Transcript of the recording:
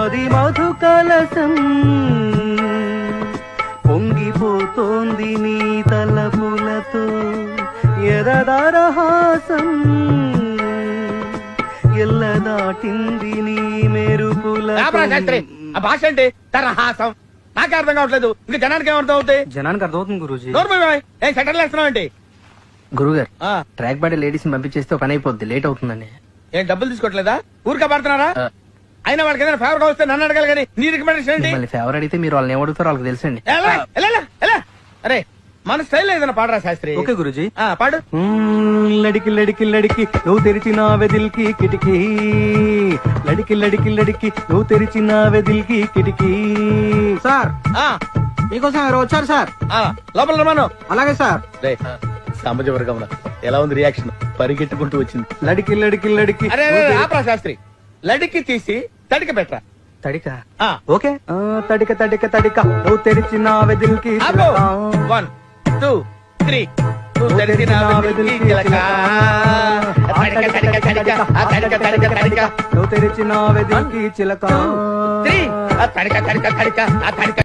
అది మధు కలసం పొంగిపోతోంది నీ తలపులతో ఎరదారహాసం ఎల్ల దాటింది నీ మెరుపుల ఆ భాష అంటే తరహాసం నాకే అర్థం కావట్లేదు ఇంకా జనానికి ఏమర్థం అవుతాయి? జనానికి అర్థమవుతుంది గురూజీ. ఏం సెటర్లు వేస్తున్నావు ఏంటి? గురుగారు ట్రాక్ బాడీ లేడీస్ పంపించేస్తే పని అయిపోద్ది, లేట్ అవుతుందని. ఏం డబ్బులు తీసుకోవట్లేదా? ఊరికే పడుతున్నారా? అయినా వాళ్ళకి ఏదైనా ఫేవర్ గా వస్తే నన్ను అడగాలి కానీ నీ రికమెండేషన్ ఏంటి? మళ్ళీ ఫేవర్ అడిగితే మీరు వాళ్ళని ఏమడుగుతారో వాళ్ళకి తెలుసండి. అరే మన స్టైల్ ఏదైనా పాడరా శాస్త్రి. ఓకే గురూజీ. పాడు. లడికి లడికి లడికి నువ్వు తెరిచిన వెదిల్కి కిటికీ, లడికి లడికి లడికి నువ్వు తెరిచిన వెదిల్కి కిటికీ. సార్ మీకోసం ఎవరు వచ్చారు సార్? లోపల రమాను. అలాగే సార్. సామాజిక వర్గంలో ఎలా ఉంది రియాక్షన్? పరిగెట్టుకుంటూ వచ్చింది. లడికి లడికి లడికి. అరే ఆపరా శాస్త్రి, లడికి తీసి తడిక పెట్టరా. తడిక ఓకే. తడిక తడిక తడిక నువ్వు తెరిచిన వెదిల్కి 1 2 3 నువ్వు తెరిచిన వెదిల్కి చిలక. నువ్వు తెరిచిన వెదిల్కి చిలక. 3 తడిక తడిక తడిక.